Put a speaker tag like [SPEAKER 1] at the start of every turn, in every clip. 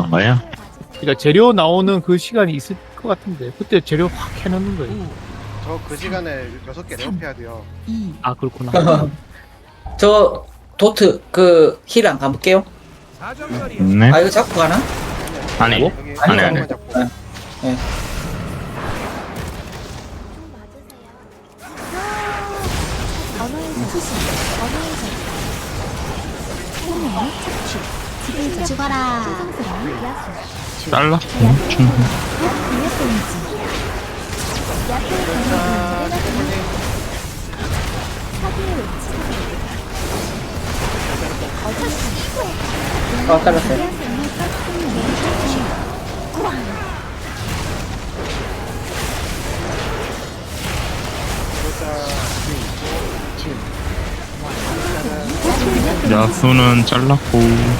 [SPEAKER 1] 건가요?
[SPEAKER 2] 그러니까 재료 나오는 그 시간이 있을 것 같은데 그때 재료 확 해놓는 거예요.
[SPEAKER 3] 저 그 시간에 6개 레어해야 돼요.
[SPEAKER 2] 아 그렇구나.
[SPEAKER 4] 저 도트 그 힐 안 가볼게요.
[SPEAKER 1] 네.
[SPEAKER 4] 아 이거 잡고 가나?
[SPEAKER 1] 아니,
[SPEAKER 3] 여기
[SPEAKER 1] 아니,
[SPEAKER 3] 한
[SPEAKER 1] 아니.
[SPEAKER 3] 번만 잡고.
[SPEAKER 4] 네.
[SPEAKER 5] 죽어라.
[SPEAKER 1] 잘랐고, 충분.
[SPEAKER 4] 잘랐어요.
[SPEAKER 1] 야수는 잘랐고,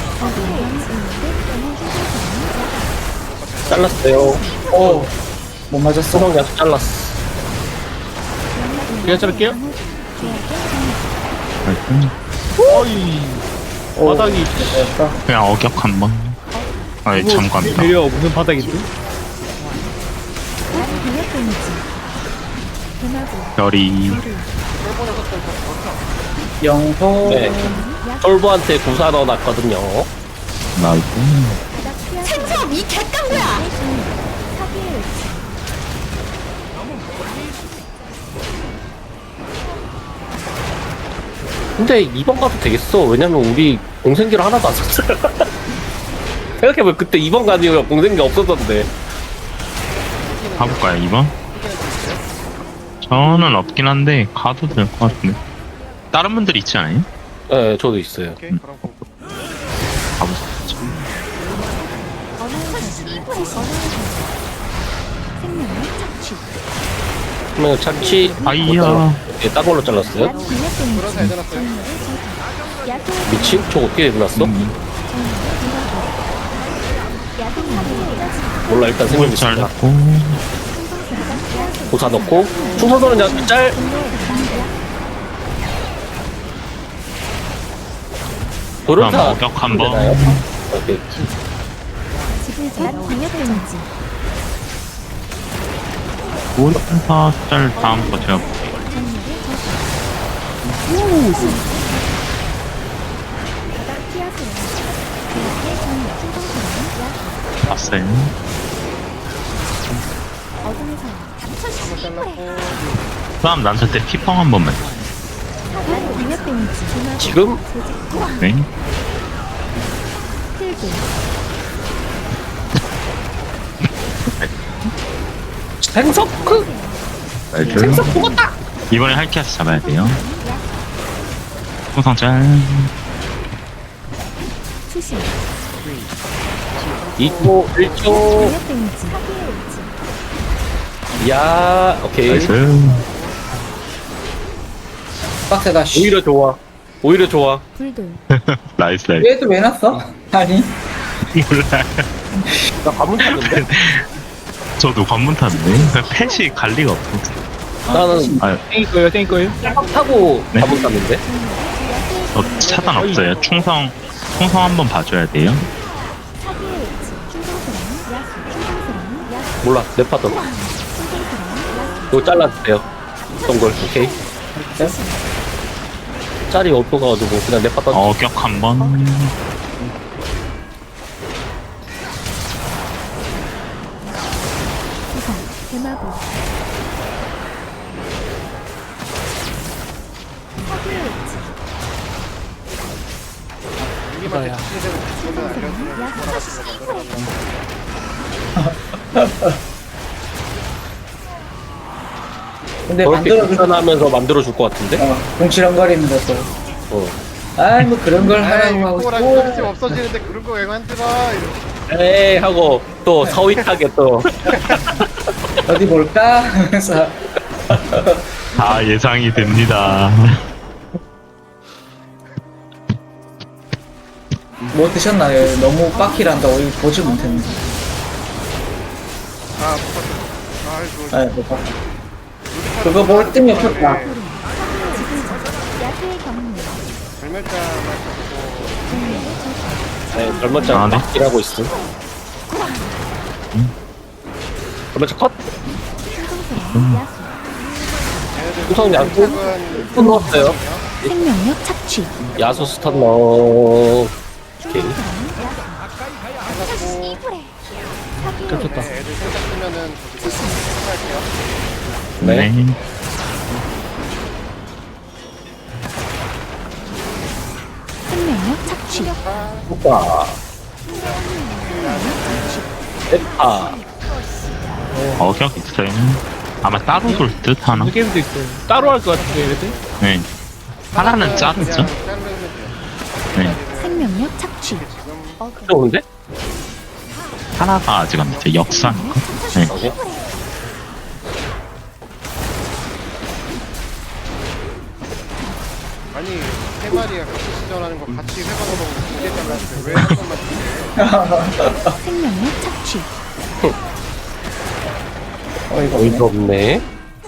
[SPEAKER 6] 잘랐어요.
[SPEAKER 4] 오, 못 맞았어.
[SPEAKER 6] 수성 약수 잘랐어.
[SPEAKER 2] 제가 자를게요. 어이 바닥이
[SPEAKER 1] 그냥 어격 한 번. 아이, 잠깐.
[SPEAKER 2] 재료 무슨 바닥인데?
[SPEAKER 1] 별이.
[SPEAKER 4] 영소.
[SPEAKER 6] 네. 솔브한테 구사 넣어놨거든요.
[SPEAKER 1] 나이고.
[SPEAKER 5] 생점 이 객강구야.
[SPEAKER 6] 근데 2번 가도 되겠어. 왜냐면 우리 공생기를 하나도 안 썼어요. 생각해보면 그때 2번 간 이유가 공생기 없었던데.
[SPEAKER 1] 가볼까요, 2번? 저는 없긴 한데, 가도 될 것 같은데. 다른 분들 있지 않아요?
[SPEAKER 6] 네, 저도 있어요.
[SPEAKER 3] 오케이, 그럼 고.
[SPEAKER 1] 가보자.
[SPEAKER 6] 그러면 착취.
[SPEAKER 1] 아이야.
[SPEAKER 6] 예, 딴 걸로 잘랐어요.
[SPEAKER 3] 그런 잘 해놨어요.
[SPEAKER 6] 미친? 저 어떻게 해놨어? 몰라, 일단 생각
[SPEAKER 1] 뭘
[SPEAKER 6] 있습니다.
[SPEAKER 1] 잘랐고.
[SPEAKER 6] 고사 넣고. 충성도는 약수 짤.
[SPEAKER 1] 그럼
[SPEAKER 6] 도련사.
[SPEAKER 1] 어격 한 번.
[SPEAKER 6] 되나요? 오케이.
[SPEAKER 1] 오른사 짤 다음 거 제가 볼게요. 봤어요.
[SPEAKER 3] 한번 잘랐고.
[SPEAKER 1] 그럼 난저 때 피펑 한 번만.
[SPEAKER 6] 지금?
[SPEAKER 1] 네.
[SPEAKER 6] 생석크?
[SPEAKER 1] 생석 죽었다! 이번에 할키아스 잡아야 돼요. 풍성 짤.
[SPEAKER 6] 있고 1초. 야, 오케이.
[SPEAKER 1] 나이스.
[SPEAKER 4] 빡세다. 씨.
[SPEAKER 6] 오히려 좋아. 오히려 좋아.
[SPEAKER 1] 나이스, 나이스.
[SPEAKER 4] 얘도 왜 났어? 아니.
[SPEAKER 1] 몰라요.
[SPEAKER 6] 나 관문 탔는데?
[SPEAKER 1] 저도 관문 탔는데. 펫이 갈 리가 없어.
[SPEAKER 6] 나는
[SPEAKER 1] 아,
[SPEAKER 2] 땡일 거예요, 땡일 거예요.
[SPEAKER 6] 딱 타고
[SPEAKER 1] 네?
[SPEAKER 6] 관문 탔는데?
[SPEAKER 1] 저 차단 없어요. 충성 한번 봐줘야 돼요.
[SPEAKER 6] 몰라, 내 파던. 이거 잘라주세요. 동글, 오케이. 짤이 없어가지고 그냥 내 파던.
[SPEAKER 1] 어격 한 번.
[SPEAKER 3] 우리한테 특징되는 부분을 알려주면 돌아가시는 거 만들어가지고.
[SPEAKER 4] 근데
[SPEAKER 6] 저렇게
[SPEAKER 4] 만들어줄
[SPEAKER 6] 귀찮아하면서 만들어줄 것 같은데?
[SPEAKER 4] 궁치렁거리는 것도.
[SPEAKER 6] 어.
[SPEAKER 4] 아이 뭐 그런 걸
[SPEAKER 3] 아이,
[SPEAKER 4] 하라고 하고
[SPEAKER 3] 꼬랑
[SPEAKER 4] 또
[SPEAKER 3] 서비스 없어지는데 그런 거 왜 만들어? 이러고.
[SPEAKER 6] 에이 하고 또 서윗하게 또
[SPEAKER 4] 어디 볼까 하면서
[SPEAKER 1] 다 예상이 됩니다.
[SPEAKER 4] 뭐 드셨나요? 너무 빡힐한다고 이거 보지 못했는데.
[SPEAKER 3] 아, 못 봤어. 아이고.
[SPEAKER 4] 아, 못 봤다. 그거 볼 뜸이 없었다.
[SPEAKER 3] 별멸자 맞고.
[SPEAKER 6] 네, 젊었잖아
[SPEAKER 1] 아, 네.
[SPEAKER 6] 막 일하고 있음. 그러면 저 컷?
[SPEAKER 5] 충성스러운 야수.
[SPEAKER 3] 얘네들
[SPEAKER 6] 우선 야구
[SPEAKER 3] 생각은
[SPEAKER 6] 스턴 넣었어요.
[SPEAKER 5] 생명력 착취.
[SPEAKER 6] 야수 스턴 넣어. 오케이.
[SPEAKER 5] 충성스러운 야수.
[SPEAKER 3] 끝났고
[SPEAKER 5] 사기의
[SPEAKER 2] 겹쳤다.
[SPEAKER 3] 네, 애들 생각 쓰면은 저기 할게요.
[SPEAKER 6] 네.
[SPEAKER 1] 네.
[SPEAKER 5] 생명력 착취.
[SPEAKER 6] 효과. 에파.
[SPEAKER 1] 어격 있어요. 아마 따로 돌 듯 하나.
[SPEAKER 2] 그 게임도 있어요. 따로 할 것 같은데 얘네들.
[SPEAKER 1] 네. 하나는 자르죠.
[SPEAKER 3] 그냥 자르면 돼요.
[SPEAKER 1] 네.
[SPEAKER 5] 생명력 착취.
[SPEAKER 3] 지금
[SPEAKER 6] 좋은데?
[SPEAKER 1] 하나가 아직 안 됐죠. 역산. 네.
[SPEAKER 6] 오케이.
[SPEAKER 3] 아니 세 마리가 같이 시전하는 거 같이 회방으로 두개 잘랐는데 왜 한 번만 주세요?
[SPEAKER 5] 생명력 착취.
[SPEAKER 6] 어이가 없네.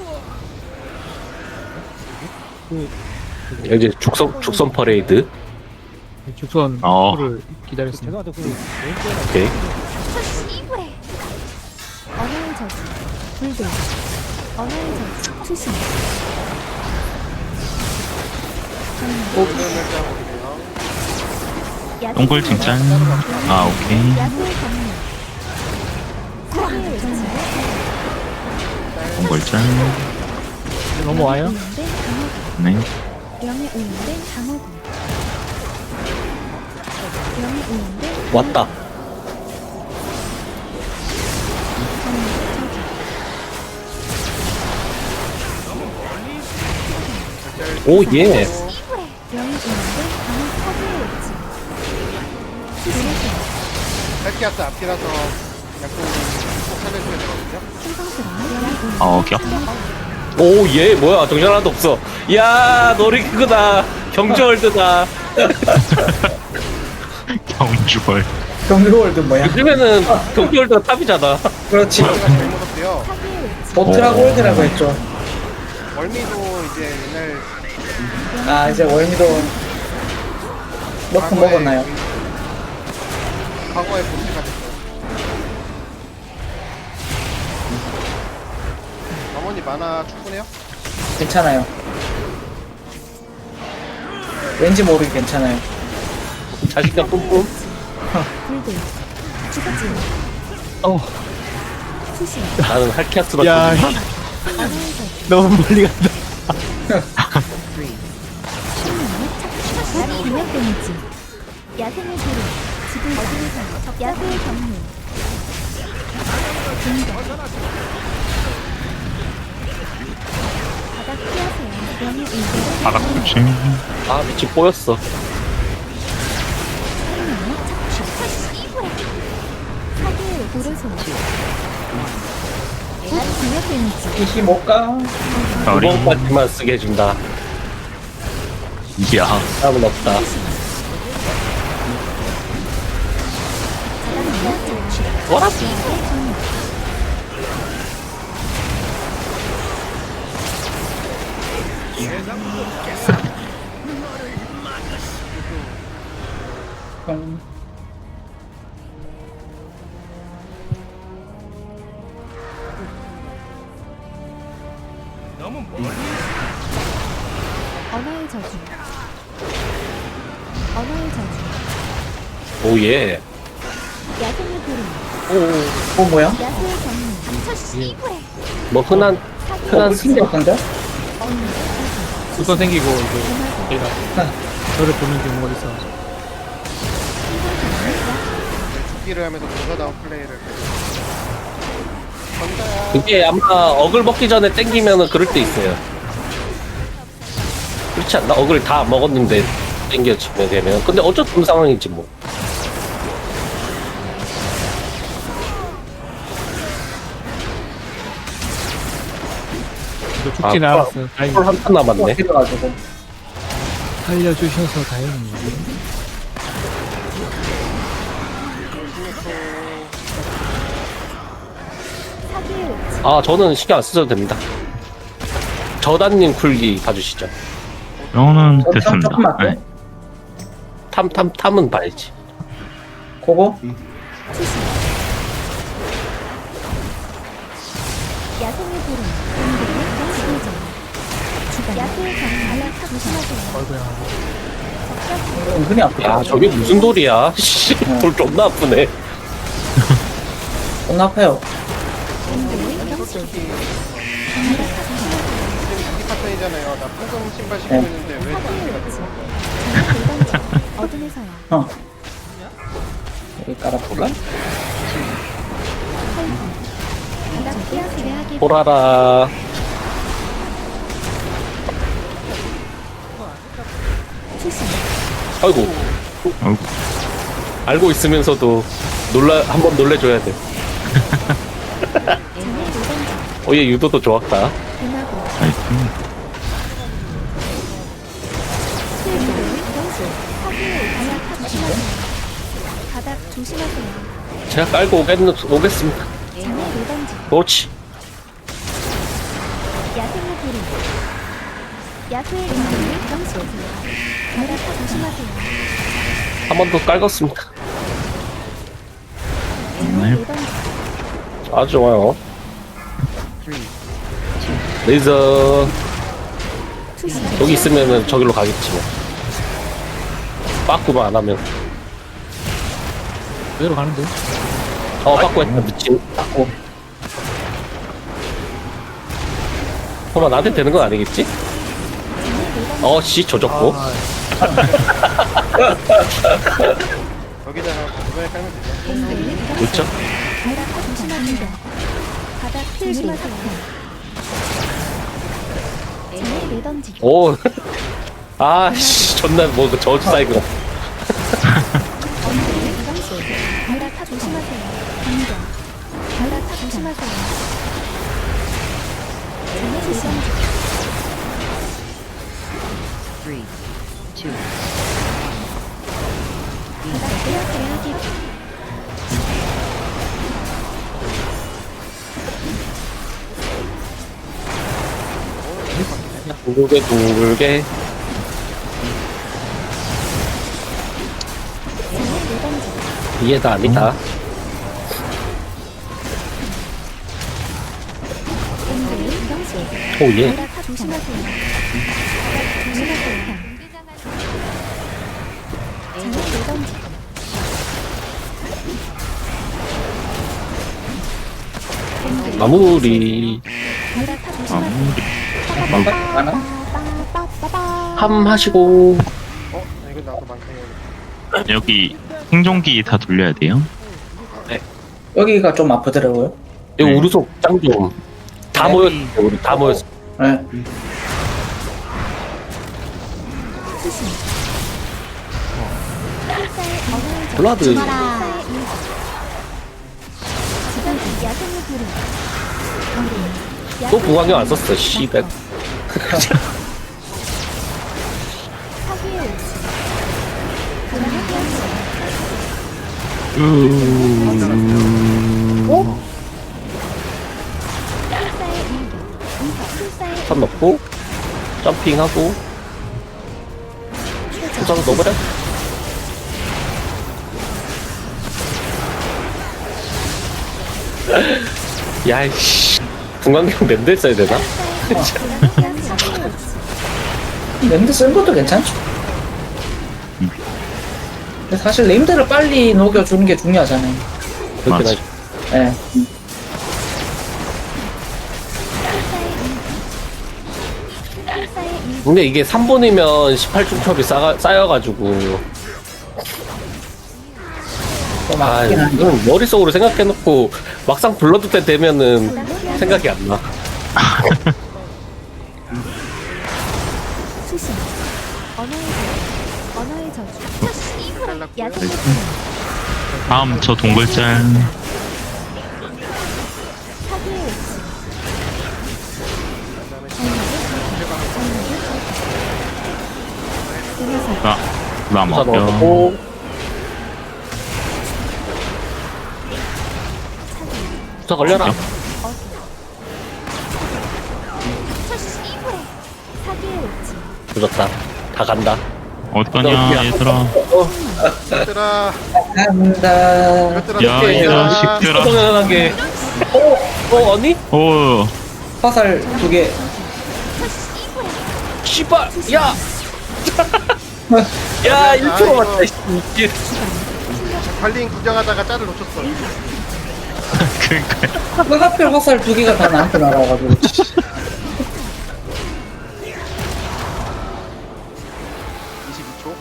[SPEAKER 6] 이제 죽선 퍼레이드.
[SPEAKER 2] 죽선
[SPEAKER 1] 어.
[SPEAKER 2] 를 기다렸습니다.
[SPEAKER 6] 오케이.
[SPEAKER 5] 언어의 저주. 불들. 언어의 저주. 투신.
[SPEAKER 3] 오늘을 짜보세요.
[SPEAKER 1] 동굴 칭찬. 아, 오케이.
[SPEAKER 5] 야수의 권능. 사기의 외침.
[SPEAKER 1] 동굴 짠.
[SPEAKER 2] 넘어와요?
[SPEAKER 5] 오염된 강호구.
[SPEAKER 1] 네.
[SPEAKER 5] 명예 오염된 강호구. 명예 오염된
[SPEAKER 6] 왔다. 오, 예.
[SPEAKER 5] 명예 오염된 강호 사기의 외침.
[SPEAKER 3] 살키아스 앞이라서 약간 꼭 살려줘야 되거든요.
[SPEAKER 5] 충성스러운 명예 오염된
[SPEAKER 1] 어격.
[SPEAKER 6] 오, 예. 뭐야. 정신 하나도 없어. 야, 놀이기구다. 경주월드다.
[SPEAKER 1] 경주벌.
[SPEAKER 7] 경주월드 뭐야?
[SPEAKER 6] 요즘에는 경주월드가 탑이잖아.
[SPEAKER 7] 그렇지.
[SPEAKER 3] 제가 제일 무섭대요.
[SPEAKER 5] 사기의 외침.
[SPEAKER 7] 보트라고 월드라고 했죠.
[SPEAKER 3] 월미도 이제 옛날
[SPEAKER 7] 아 이제 월미도 넣고 먹었나요?
[SPEAKER 3] 과거의 보트가 됐어요. 어머니 만화 충분해요?
[SPEAKER 7] 괜찮아요. 왠지 모르게 괜찮아요.
[SPEAKER 6] 자신감 뿜뿜.
[SPEAKER 5] 불들. 주거지.
[SPEAKER 2] 어.
[SPEAKER 5] 수신.
[SPEAKER 6] 나는 할키아스로.
[SPEAKER 2] 야,
[SPEAKER 5] 언어의 저주.
[SPEAKER 2] 너무 멀리 간다.
[SPEAKER 5] 생명력 착취. 비명 데미지. 야생의 도로. 지불 어디에서 야수의 경륜. 분경. 바닥 피하세요. 명예 의존.
[SPEAKER 1] 바닥 조심.
[SPEAKER 6] 아, 미친 뽀였어.
[SPEAKER 5] 생명력 착취. 사기의 도르소. 비명 데미지.
[SPEAKER 7] 이시 못 가.
[SPEAKER 1] 어리.
[SPEAKER 6] 두번까지만 쓰게 해준다.
[SPEAKER 1] 이야.
[SPEAKER 6] 다음은 없다.
[SPEAKER 5] 뭐라지?
[SPEAKER 7] 음,
[SPEAKER 5] 언어의 저주. 언어의 저주.
[SPEAKER 6] 오, 예.
[SPEAKER 5] 야생의 도로.
[SPEAKER 7] 어 뭐야?
[SPEAKER 5] 야수의 경륜. 닥쳐 씨부레.
[SPEAKER 6] 뭐 흔한
[SPEAKER 7] 그 생겼던데?
[SPEAKER 2] 죽선 생기고 이제 얘가 저를 보는 경우가 있어.
[SPEAKER 3] 죽기를 하면서 조사다운 플레이를 건다야.
[SPEAKER 6] 그게 아마 어글 먹기 전에 땡기면은 그럴 때 있어요. 그렇지 않나? 어글 다 먹었는데 땡겨지면 되면. 근데 어쩔 수 없는 상황이지 뭐.
[SPEAKER 2] 너 죽진 않았어. 다행히
[SPEAKER 6] 한 남았네.
[SPEAKER 7] 그래가지고
[SPEAKER 2] 살려주셔서 다행이에요.
[SPEAKER 5] 사기의 외침.
[SPEAKER 6] 아, 저는 신경 안 쓰셔도 됩니다. 저단님 쿨기 봐주시죠.
[SPEAKER 1] 이거는
[SPEAKER 7] 참
[SPEAKER 1] 됐습니다.
[SPEAKER 7] 조금 맞고
[SPEAKER 1] 네.
[SPEAKER 6] 탐은 봐야지.
[SPEAKER 7] 그거
[SPEAKER 5] 투신. 야생의 불은 공격의 정수죠. 야수의 정발락 조심하세요.
[SPEAKER 2] 어이구야.
[SPEAKER 7] 은근히 아프다.
[SPEAKER 6] 야 저게 무슨 돌이야? 씨, 돌 존나 아프네.
[SPEAKER 7] 존나 아파요.
[SPEAKER 5] 공격의 정수.
[SPEAKER 3] 솔직히
[SPEAKER 5] 발락 조심하세요.
[SPEAKER 3] 자기 파편이잖아요. 나 풍선 신발 신고 있는데 왜
[SPEAKER 5] 사기의
[SPEAKER 3] 자기가
[SPEAKER 5] 외치. 정말 대단지. 어둠에서야.
[SPEAKER 7] 어. 여기 깔아볼까?
[SPEAKER 5] 바닥 피하세요. 하기
[SPEAKER 6] 보라라.
[SPEAKER 5] 수신.
[SPEAKER 6] 아이고
[SPEAKER 1] 아이고.
[SPEAKER 6] 알고 있으면서도 한번 놀래줘야 돼.
[SPEAKER 5] 장애 노단지.
[SPEAKER 6] 얘 유도도 좋았다.
[SPEAKER 5] 금하고.
[SPEAKER 1] 나이스.
[SPEAKER 5] 수일도의 경수. 사기의 발락 조심하세요. 바닥 조심하세요.
[SPEAKER 6] 제가 깔고 오겠습니다.
[SPEAKER 5] 장애 노단지.
[SPEAKER 6] 그렇지.
[SPEAKER 5] 야생의 불은 야수의 공격의 경수. 바닥 조심하세요.
[SPEAKER 6] 한 번 더 깔겠습니다.
[SPEAKER 5] 장애 노단지.
[SPEAKER 6] 아주 좋아요. 레이저
[SPEAKER 5] 투신.
[SPEAKER 6] 여기 있으면은 저기로 가겠지 뭐. 빠꾸만 안 하면.
[SPEAKER 2] 그대로 가는데.
[SPEAKER 6] 빠꾸 했다 미친.
[SPEAKER 7] 닦고.
[SPEAKER 6] 설마 나한테 되는 건 아니겠지? 씨 조졌고.
[SPEAKER 2] 아,
[SPEAKER 3] 여기다가 이번에 깔면 되죠.
[SPEAKER 5] 공격의 경수.
[SPEAKER 6] 그렇죠?
[SPEAKER 5] 바닥 조심하세요. 바닥 조심하세요. 장애 내던지.
[SPEAKER 6] 오. 아씨 존나 뭐 저주 사이고.
[SPEAKER 5] 언덕의 경수. 바닥 조심하세요. 공격. 바닥 조심하세요. 장애 내던지. 바닥 빼앗겨야 하기.
[SPEAKER 6] 둥글게 둥글게.
[SPEAKER 5] 장애 내던지.
[SPEAKER 6] 이해가 아니다.
[SPEAKER 5] 언덕의 경수.
[SPEAKER 6] 오 예.
[SPEAKER 5] 바닥 조심하세요. 바닥 조심하세요. 장애 내던지.
[SPEAKER 6] 마무리.
[SPEAKER 5] 바닥 조심하세요.
[SPEAKER 1] 마무리.
[SPEAKER 7] 하나?
[SPEAKER 6] 함 하시고.
[SPEAKER 3] 이거 나도 많다.
[SPEAKER 1] 여기 생존기 다 돌려야 돼요.
[SPEAKER 7] 여기가 좀 아프더라고요.
[SPEAKER 6] 이거
[SPEAKER 1] 네.
[SPEAKER 6] 우르속 짱 좀. 다
[SPEAKER 7] 네.
[SPEAKER 6] 모였어. 우리 다 모였어.
[SPEAKER 7] 네.
[SPEAKER 5] 수신. 필사의 언어의 적.
[SPEAKER 6] 블라드.
[SPEAKER 5] 필사의 일기. 지금 야생의 불은.
[SPEAKER 6] 또 부광경 안 썼어. 씨백.
[SPEAKER 5] 사기의 오치. 그만의 변수. 필사의 일기. 필사의
[SPEAKER 6] 선 넣고 점핑하고 수상 넣어버려. 야이씨 분광경 랜드 써야 되나?
[SPEAKER 7] 랜드 쓴 것도 괜찮죠. 근데 사실 랜드를 빨리 녹여주는 게 중요하잖아요.
[SPEAKER 6] 그렇게
[SPEAKER 1] 맞아.
[SPEAKER 6] 나
[SPEAKER 7] 네.
[SPEAKER 6] 근데 이게 3번이면 18중첩이 쌓여가지고
[SPEAKER 7] 또 맞긴 한데.
[SPEAKER 6] 이건 머릿속으로 생각해놓고 막상 불러도 때 되면은 생각이 안 나.
[SPEAKER 5] 수신. 언어의 저주.
[SPEAKER 3] 잘랐고요.
[SPEAKER 5] 야생의 불은.
[SPEAKER 1] 다음 저 동글짤.
[SPEAKER 5] 사기의 오치.
[SPEAKER 1] 나
[SPEAKER 6] 수사
[SPEAKER 1] 먹여.
[SPEAKER 6] 넣어놓고 수사 걸려라.
[SPEAKER 5] 사기의 오치.
[SPEAKER 6] 늦었다. 다 간다.
[SPEAKER 1] 어디 가냐 얘들아.
[SPEAKER 3] 얘들아,
[SPEAKER 7] 감사합니다.
[SPEAKER 3] 이것들아,
[SPEAKER 1] 야, 이 자식들아.
[SPEAKER 6] 당연하게 아니?
[SPEAKER 1] 오,
[SPEAKER 7] 화살 2개.
[SPEAKER 6] 씨발 야! 야 1% 맞다 씨.
[SPEAKER 3] 관리인 구경하다가 짤을 놓쳤어.
[SPEAKER 1] 그러니까
[SPEAKER 7] 왜 하필 화살 2개가 다 나한테 날아가지고.
[SPEAKER 3] 22초.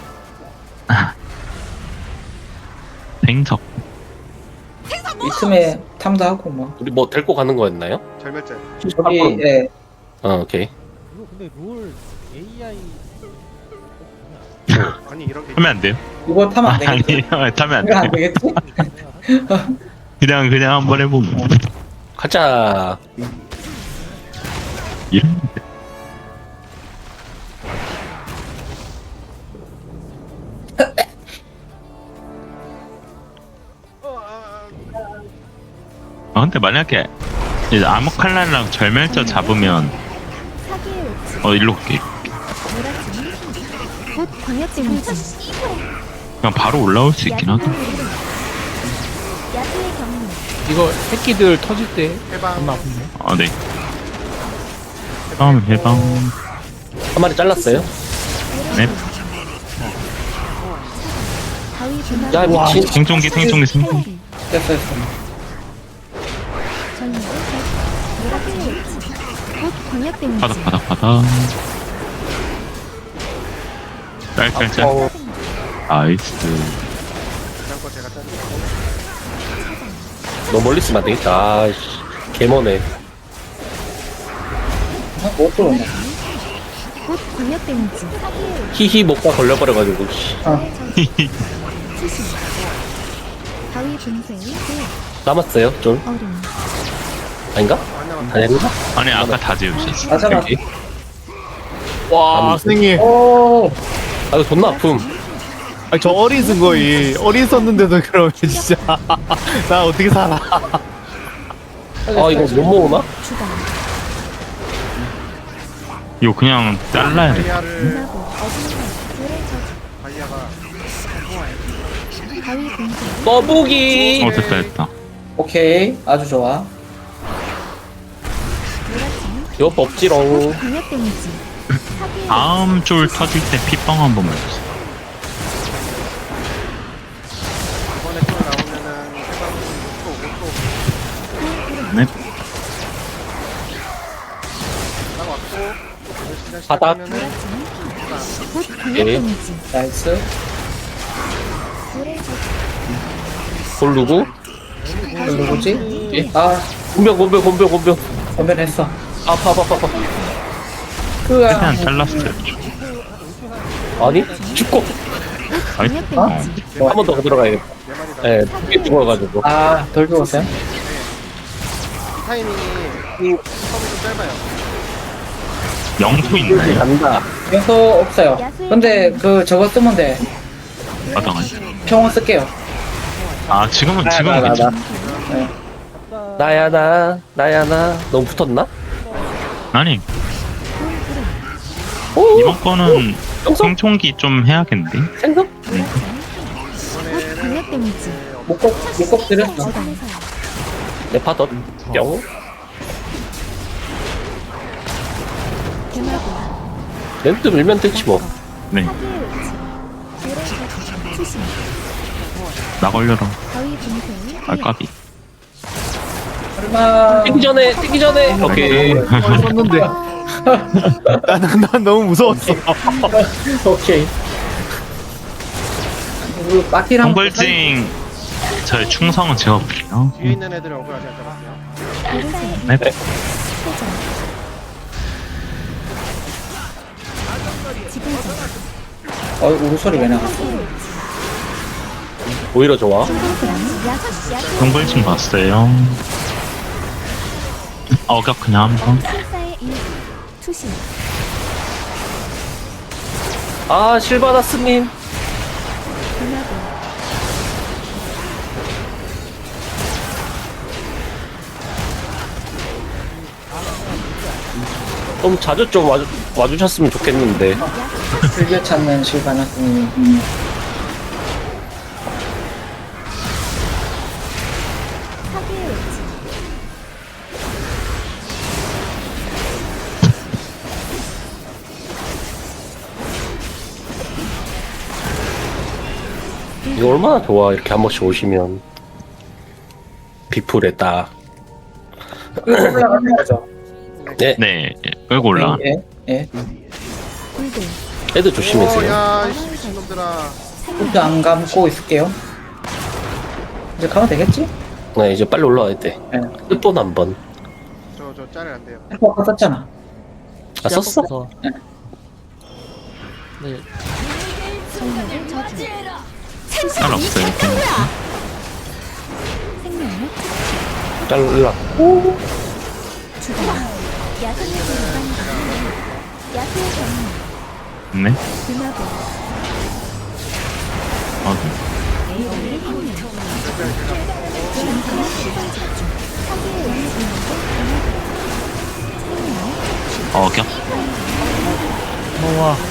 [SPEAKER 1] 생석.
[SPEAKER 7] 있음에 탐사하고 뭐.
[SPEAKER 6] 우리 뭐 데리고 가는 거였나요?
[SPEAKER 3] 절멸짤.
[SPEAKER 7] 저기 예.
[SPEAKER 6] 오케이.
[SPEAKER 2] 이거 근데 롤 AI
[SPEAKER 3] 아니 이런 게
[SPEAKER 1] 하면 안 돼요?
[SPEAKER 7] 이거 타면 안 되겠지?
[SPEAKER 1] 아니, 타면 안
[SPEAKER 7] 이거 안
[SPEAKER 1] 돼.
[SPEAKER 7] 되겠지?
[SPEAKER 1] 그냥 한번 해보면.
[SPEAKER 6] 가자.
[SPEAKER 1] 이런. 아 근데 만약에 이제 아모칼라랑 절멸자 잡으면
[SPEAKER 5] 사기의 외침.
[SPEAKER 1] 일로 갈게.
[SPEAKER 5] 몰아치는 곧 광역 데미지.
[SPEAKER 1] 그냥 바로 올라올 수 있긴 하다.
[SPEAKER 5] 야수의 경륜.
[SPEAKER 2] 이거 새끼들 터질 때
[SPEAKER 3] 해방.
[SPEAKER 2] 존나 아픈데.
[SPEAKER 1] 아 네. 다음 해방.
[SPEAKER 6] 한 마리 잘랐어요?
[SPEAKER 1] 네.
[SPEAKER 5] 바위 분화.
[SPEAKER 6] 야 미친.
[SPEAKER 1] 생존기.
[SPEAKER 7] 됐어 됐어.
[SPEAKER 5] 전율. 사기의 외침. 곧 광역 데미지.
[SPEAKER 1] 바닥. 짤짤짤.
[SPEAKER 6] 어,
[SPEAKER 1] 나이스.
[SPEAKER 3] 그냥 거 제가 짤.
[SPEAKER 6] 너무 멀리 있으면 안 되겠다. 아이씨. 개머네.
[SPEAKER 7] 못 들어온다.
[SPEAKER 5] 곧 광역 데미지. 사기의 외침.
[SPEAKER 6] 히히 목과 걸려버려가지고. 씨.
[SPEAKER 5] 수신. 바위 분쇄.
[SPEAKER 6] 남았어요 좀.
[SPEAKER 5] 얼음.
[SPEAKER 6] 아닌가?
[SPEAKER 3] 안 남았다.
[SPEAKER 6] 아닌가?
[SPEAKER 1] 아니 아까 다 지우셨어.
[SPEAKER 7] 아 잠깐.
[SPEAKER 6] 여기.
[SPEAKER 2] 와 선생님.
[SPEAKER 7] 오.
[SPEAKER 6] 아 이거 존나 아픔.
[SPEAKER 2] 아니 저 어린 쓴 거이 어린 썼는데도 그러면 진짜 나 어떻게 살아?
[SPEAKER 6] 아 이거 못 모으나?
[SPEAKER 5] 주방.
[SPEAKER 1] 이거 그냥 잘라야 돼.
[SPEAKER 3] 바이아를
[SPEAKER 5] 분하고 어둠과 불의 저주.
[SPEAKER 3] 바이아가
[SPEAKER 5] 바위 분쇄.
[SPEAKER 6] 떠보기.
[SPEAKER 1] 됐다.
[SPEAKER 7] 오케이. 아주 좋아.
[SPEAKER 5] 몰아치는
[SPEAKER 6] 이거 없지롱.
[SPEAKER 5] 광역 데미지. 사기의
[SPEAKER 1] 다음 줄 터질 때 핏빵 한 번만 주세요.
[SPEAKER 3] 이번에 또 나오면은 해방 5초
[SPEAKER 1] 네.
[SPEAKER 3] 딱 왔고 시간
[SPEAKER 6] 바닥.
[SPEAKER 3] 시작하면은
[SPEAKER 5] 몰아치는 곧 광역
[SPEAKER 6] 예.
[SPEAKER 5] 데미지.
[SPEAKER 7] 나이스.
[SPEAKER 5] 불의 저주.
[SPEAKER 6] 볼 누구?
[SPEAKER 7] 이거 누구지? 아
[SPEAKER 6] 곤병.
[SPEAKER 7] 건변했어.
[SPEAKER 6] 아파.
[SPEAKER 1] 최대한
[SPEAKER 7] 그아
[SPEAKER 1] 잘랐어요.
[SPEAKER 6] 아니? 죽고.
[SPEAKER 5] 광역 데미지.
[SPEAKER 6] 한 번 더 들어가야겠다.
[SPEAKER 3] 네 마리 다.
[SPEAKER 6] 예, 두개 죽어가지고.
[SPEAKER 7] 덜 죽었어요?
[SPEAKER 3] 이 타이밍이 처음이 좀 짧아요.
[SPEAKER 1] 영토 있나요?
[SPEAKER 6] 간다.
[SPEAKER 7] 연소 없어요. 근데 그 저거 쓰면 돼.
[SPEAKER 1] 마당 아니.
[SPEAKER 7] 평원 쓸게요.
[SPEAKER 1] 아 지금은 괜찮아.
[SPEAKER 7] 네.
[SPEAKER 6] 나야 나. 너무 붙었나?
[SPEAKER 1] 아니
[SPEAKER 6] 오!
[SPEAKER 1] 이번 거는
[SPEAKER 6] 영성?
[SPEAKER 1] 생존기 좀 해야겠는데.
[SPEAKER 6] 생선?
[SPEAKER 5] 곧 광역 데미지.
[SPEAKER 7] 목꼭 드렸어.
[SPEAKER 5] 주방에서요.
[SPEAKER 6] 네파덧. 뿅.
[SPEAKER 5] 개마고.
[SPEAKER 6] 렌트 밀면 되지 뭐.
[SPEAKER 1] 네.
[SPEAKER 5] 사기의 외침. 불의 저주. 수신.
[SPEAKER 1] 나 걸려라.
[SPEAKER 5] 바위 분쇄.
[SPEAKER 1] 아 까비.
[SPEAKER 7] 얼마.
[SPEAKER 6] 뛰기 전에. 오케이.
[SPEAKER 2] 썼는데 난 너무 무서웠어.
[SPEAKER 7] 오케이. 그 마티랑
[SPEAKER 1] 홍벌징 저의 충성은 제가 볼게요.
[SPEAKER 3] 뒤에 있는 애들은 억울하지 않잖아요.
[SPEAKER 5] 불사의
[SPEAKER 1] 네.
[SPEAKER 5] 회전. 지불전.
[SPEAKER 7] 울소리 왜 나갔어?
[SPEAKER 5] 사기의 외침.
[SPEAKER 6] 오히려 좋아.
[SPEAKER 5] 야수.
[SPEAKER 1] 홍벌징 봤어요. 어격 그냥 한번.
[SPEAKER 5] 불사의 일부. 투신.
[SPEAKER 6] 아 실바나스님.
[SPEAKER 5] 분하고.
[SPEAKER 6] 좀 자주 좀 와주셨으면 좋겠는데.
[SPEAKER 7] 즐겨 찾는 실바나스님.
[SPEAKER 5] 사기의 외침.
[SPEAKER 6] 이거 얼마나 좋아 이렇게 한 번씩 오시면 비풀에 딱.
[SPEAKER 7] 올라가는 거죠.
[SPEAKER 6] 네.
[SPEAKER 1] 네, 끌고 올라.
[SPEAKER 7] 예, 예.
[SPEAKER 5] 굴들
[SPEAKER 6] 애들 조심해세요.
[SPEAKER 3] 오야 미친놈들아.
[SPEAKER 7] 눈도 안 감고 있을게요. 이제 가면 되겠지?
[SPEAKER 6] 네 이제 빨리 올라와야 돼.
[SPEAKER 7] 예.
[SPEAKER 6] 끝돈 한 번.
[SPEAKER 3] 저 짤을 안 돼요.
[SPEAKER 7] 아까 썼잖아.
[SPEAKER 6] 아 썼어?
[SPEAKER 2] 시작부터. 네.
[SPEAKER 5] 성령의 저주
[SPEAKER 1] 쌀 없어요.
[SPEAKER 5] 생명력
[SPEAKER 6] 잘라.
[SPEAKER 5] 주간 야생의 불상 야수의 경륜
[SPEAKER 1] 네.
[SPEAKER 5] 금화고
[SPEAKER 1] 아,
[SPEAKER 5] 에이오의 행렬 신성한 시선 집중 사기의 영웅의 금화고
[SPEAKER 1] 격.
[SPEAKER 2] 우와.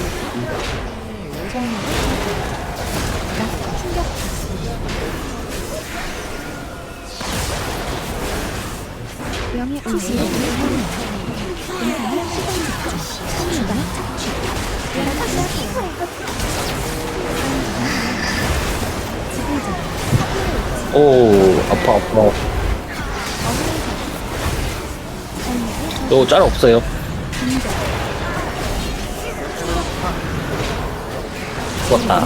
[SPEAKER 5] 충격 명예 의지의 행렬 인상의 시선 집중 주간 착취 지불자
[SPEAKER 6] 오 아파 아파. 이거 짤 없어요. 죽었다.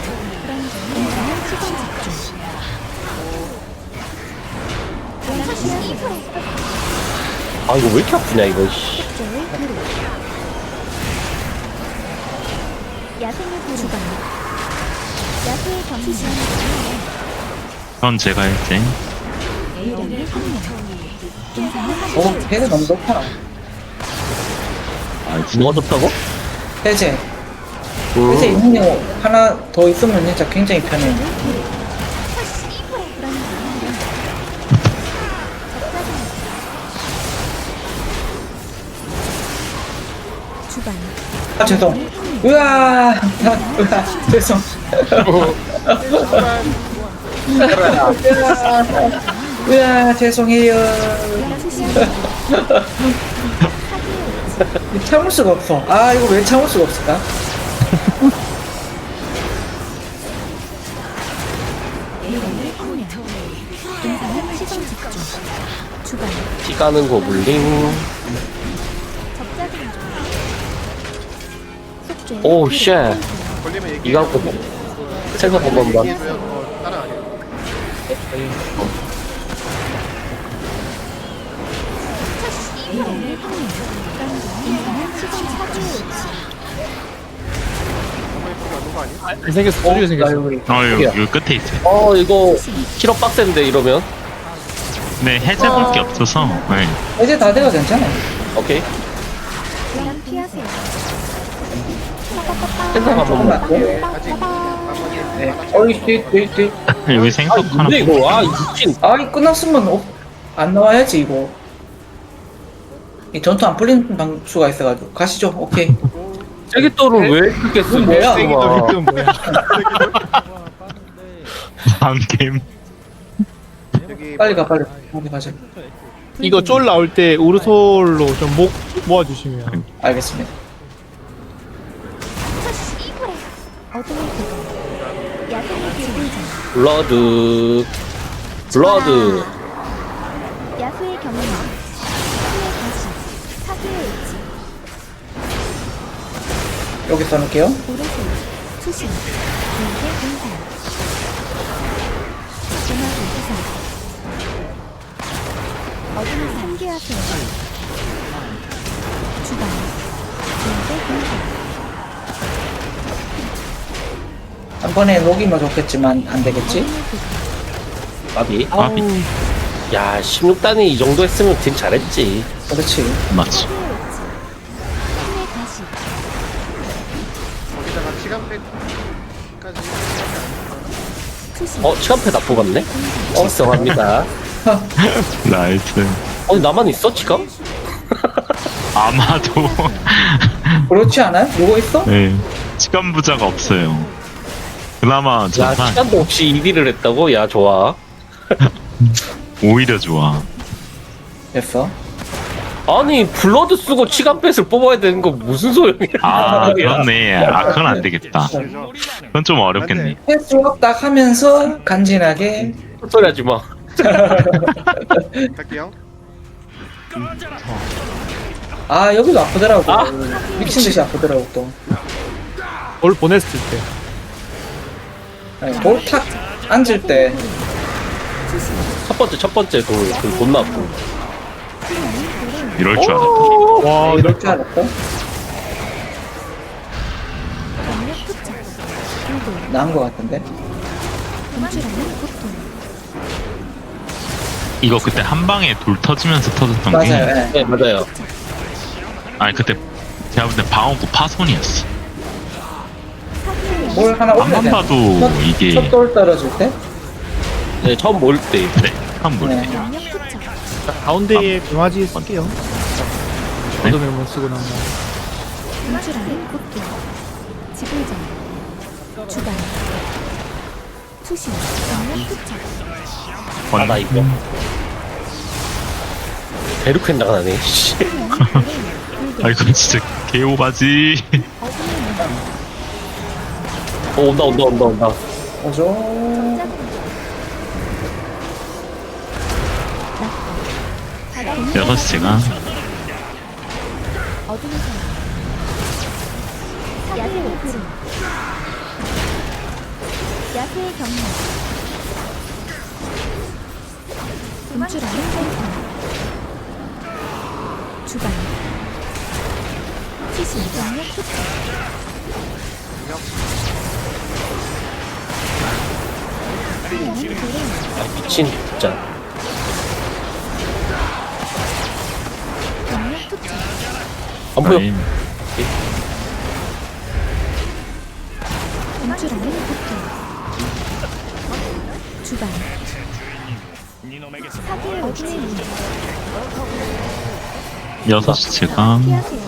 [SPEAKER 6] 아 이거 왜 이렇게 아프냐 이거. 씨.
[SPEAKER 5] 야생의 부르간 야수의 경륜
[SPEAKER 1] 그건 제가 했지.
[SPEAKER 5] 유령의 생명 인상의
[SPEAKER 7] 오, 해제 너무 높아.
[SPEAKER 6] 뭐가 좋다고?
[SPEAKER 7] 해제. 해제 있는 거 하나 더 있으면 진짜 굉장히 편해.
[SPEAKER 5] 주간
[SPEAKER 7] 아, 죄송. 으아, 죄송. 으아, 죄송해요. 참을 수가 없어. 아, 이거 왜 참을 수가 없을까?
[SPEAKER 5] 인상의 시선 집중 주간
[SPEAKER 6] 피 까는 고블린.
[SPEAKER 5] 적자들 속죄
[SPEAKER 6] 오 쉣.
[SPEAKER 3] 걸리면 얘기해.
[SPEAKER 6] 이거 갖고 생각 한 번만.
[SPEAKER 3] 얘기해줘요. 뭐 다른 아니에요.
[SPEAKER 5] 유령의 행렬 인상의 시선 사기의
[SPEAKER 3] 한번 해보면 안 되는 거 아니야?
[SPEAKER 2] 생겼어. 소리가 생겼어.
[SPEAKER 1] 여기 끝에 있어요.
[SPEAKER 6] 이거 키로 빡센데 이러면.
[SPEAKER 1] 네, 해제볼 게 없어서. 네.
[SPEAKER 7] 이제 다 돼가 괜찮아.
[SPEAKER 6] 오케이.
[SPEAKER 5] 양 피하세요
[SPEAKER 6] 생각 한 번만.
[SPEAKER 3] 아직 한번
[SPEAKER 7] 네. 어이, 뒤.
[SPEAKER 1] 여기 생석 하나.
[SPEAKER 6] 근데 이거 아 미친.
[SPEAKER 7] 아, 이 끝났으면 안 나와야지, 이거. 이 전투 안 풀리는 방수가 있어가지고. 가시죠, 오케이.
[SPEAKER 6] 세기도를 왜 그렇게 쓰고
[SPEAKER 7] 뭐야?
[SPEAKER 2] 이건 뭐야?
[SPEAKER 1] 다음 게임.
[SPEAKER 3] 여기
[SPEAKER 7] 빨리 가, 빨리. 빨리 가자.
[SPEAKER 2] 이거 쫄 나올 때 우르솔로 좀 목 모아주시면.
[SPEAKER 7] 알겠습니다.
[SPEAKER 5] 어둠의 기도 야생의 지불자
[SPEAKER 6] 블러드.
[SPEAKER 5] 야수의 경륜 사기의 가시 사기의 의지
[SPEAKER 7] 여기 써놓을게요.
[SPEAKER 5] 오르솔 수신 물의 공산 음악의 기사 어둠을 상기하세요 주간 물의 공산
[SPEAKER 7] 한 번에 녹이면 좋겠지만 안 되겠지?
[SPEAKER 6] 마비.
[SPEAKER 1] 마비.
[SPEAKER 6] 야 16단이 이 정도 했으면 팀 잘했지.
[SPEAKER 7] 그렇지.
[SPEAKER 1] 맞지.
[SPEAKER 5] 힘의 가시
[SPEAKER 3] 거기다가 시간팩까지
[SPEAKER 5] 수신
[SPEAKER 6] 시간패 다 뽑았네. 직성합니다.
[SPEAKER 1] 나이스.
[SPEAKER 6] 나만 있어 지금?
[SPEAKER 1] 아마도.
[SPEAKER 7] 그렇지 않아요? 누구 있어?
[SPEAKER 1] 네. 시간 부자가 없어요. 그나마
[SPEAKER 6] 야
[SPEAKER 1] 좋다.
[SPEAKER 6] 시간도 없이 1위를 했다고? 야 좋아.
[SPEAKER 1] 오히려 좋아.
[SPEAKER 7] 됐어.
[SPEAKER 6] 아니 블러드 쓰고 치간뱃을 뽑아야 되는 거 무슨 소용이야?
[SPEAKER 1] 아 그렇네. 아 그건 안 되겠다.
[SPEAKER 3] 그죠?
[SPEAKER 1] 그건 좀 어렵겠네.
[SPEAKER 7] 횟수 딱 하면서 간지나게.
[SPEAKER 6] 소리 하지 마.
[SPEAKER 3] 갈게요.
[SPEAKER 7] 아, 여기도 아프더라고. 미친 듯이 아프더라고, 또.
[SPEAKER 2] 볼 보냈을 때.
[SPEAKER 7] 아니, 볼탁 앉을 때.
[SPEAKER 6] 첫 번째 그 존나 아프.
[SPEAKER 1] 이럴 줄 알았다.
[SPEAKER 2] 와
[SPEAKER 7] 이럴 줄 알았고.
[SPEAKER 5] 경력 투척 불도
[SPEAKER 7] 나은 것 같은데.
[SPEAKER 5] 분출하는 고통
[SPEAKER 1] 이거 그때 한 방에 돌 터지면서 터졌던
[SPEAKER 7] 맞아요.
[SPEAKER 1] 게.
[SPEAKER 7] 예.
[SPEAKER 6] 네 맞아요.
[SPEAKER 1] 아니 그때 제가 볼 때 방어구 파손이었어.
[SPEAKER 5] 사기의
[SPEAKER 7] 뭘 하나 올려야
[SPEAKER 1] 앞만
[SPEAKER 7] 돼.
[SPEAKER 1] 봐도 이게
[SPEAKER 7] 첫돌 떨어질 때?
[SPEAKER 6] 네 처음 모일 때.
[SPEAKER 1] 네, 한 번.
[SPEAKER 7] 네.
[SPEAKER 5] 경력 투척
[SPEAKER 2] 가운데에 강아지 쓸게요.
[SPEAKER 1] 네?
[SPEAKER 2] 어둠의 문 쓰고 나면.
[SPEAKER 5] 분출하는 고통 지불전 주반 투신 경력 투척
[SPEAKER 1] 번.
[SPEAKER 6] 나 이거. 대륙 나가네. 씨.
[SPEAKER 5] 불도
[SPEAKER 1] 아 이건 진짜 개오바지.
[SPEAKER 5] 어둠의 문
[SPEAKER 6] 온다.
[SPEAKER 7] 오죠.
[SPEAKER 1] 여섯 시간.
[SPEAKER 5] 어둠의 선 야생의 구름 야수의 경력 분출하는 생선 주반 시신 경력 투척
[SPEAKER 6] 아 미친 진짜.
[SPEAKER 5] 경력 투척
[SPEAKER 6] 안 보여.
[SPEAKER 1] 아니,
[SPEAKER 5] 분출하는 고통 주반 사기의 어둠의 문
[SPEAKER 1] 여섯 시간.
[SPEAKER 5] 피하세요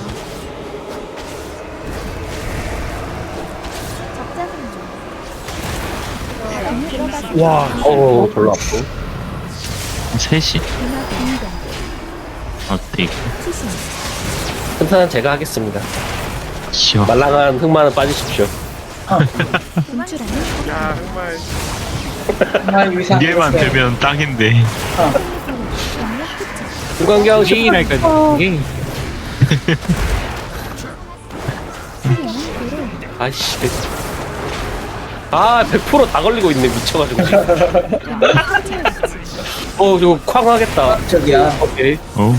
[SPEAKER 5] 적자는
[SPEAKER 2] 와.
[SPEAKER 6] 별로 아프.
[SPEAKER 1] 3시.
[SPEAKER 5] 음악 공격
[SPEAKER 1] 어떻게
[SPEAKER 5] 투신
[SPEAKER 6] 튼튼한 제가 하겠습니다.
[SPEAKER 1] 쉬어.
[SPEAKER 6] 말랑한 흑마는 빠지십시오.
[SPEAKER 5] 분출하는
[SPEAKER 3] 야 정말
[SPEAKER 7] 정말 위상.
[SPEAKER 1] 이게만 되면 딱인데.
[SPEAKER 5] 경력 투척
[SPEAKER 6] 중간경 시.
[SPEAKER 2] 게임이라니까 이게.
[SPEAKER 5] 수리는 고로
[SPEAKER 6] 아이씨. 아 100%다 걸리고 있네 미쳐가지고 지금. 저거 쾅 하겠다.
[SPEAKER 7] 저기야.
[SPEAKER 6] 오케이.
[SPEAKER 1] 어.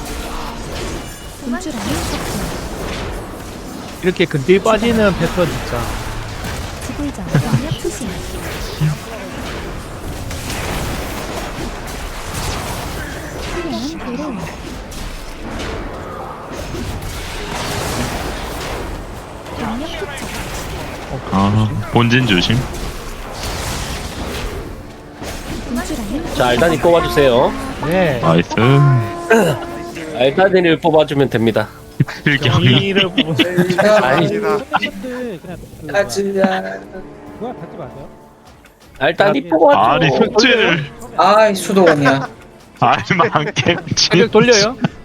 [SPEAKER 5] 분출하는 고통
[SPEAKER 2] 이렇게 근딜 빠지는 패턴 진짜.
[SPEAKER 5] 지불전 경력 투신 수리는 고로 경력 투척
[SPEAKER 1] 아 본진 조심.
[SPEAKER 5] 분출하는
[SPEAKER 6] 자 알단이 뽑아주세요.
[SPEAKER 2] 네.
[SPEAKER 1] 나이스.
[SPEAKER 6] 알단이를 뽑아주면 됩니다.
[SPEAKER 1] 필경이.
[SPEAKER 2] 경이를 보고.
[SPEAKER 3] 아닙니다.
[SPEAKER 7] 가즈야.
[SPEAKER 2] 뭐야 받지 마세요.
[SPEAKER 6] 알단이 뽑아줘.
[SPEAKER 1] 아니 흑질.
[SPEAKER 7] 아이, 수도원이야.
[SPEAKER 1] 아니 많겠지.
[SPEAKER 2] 가격 돌려요?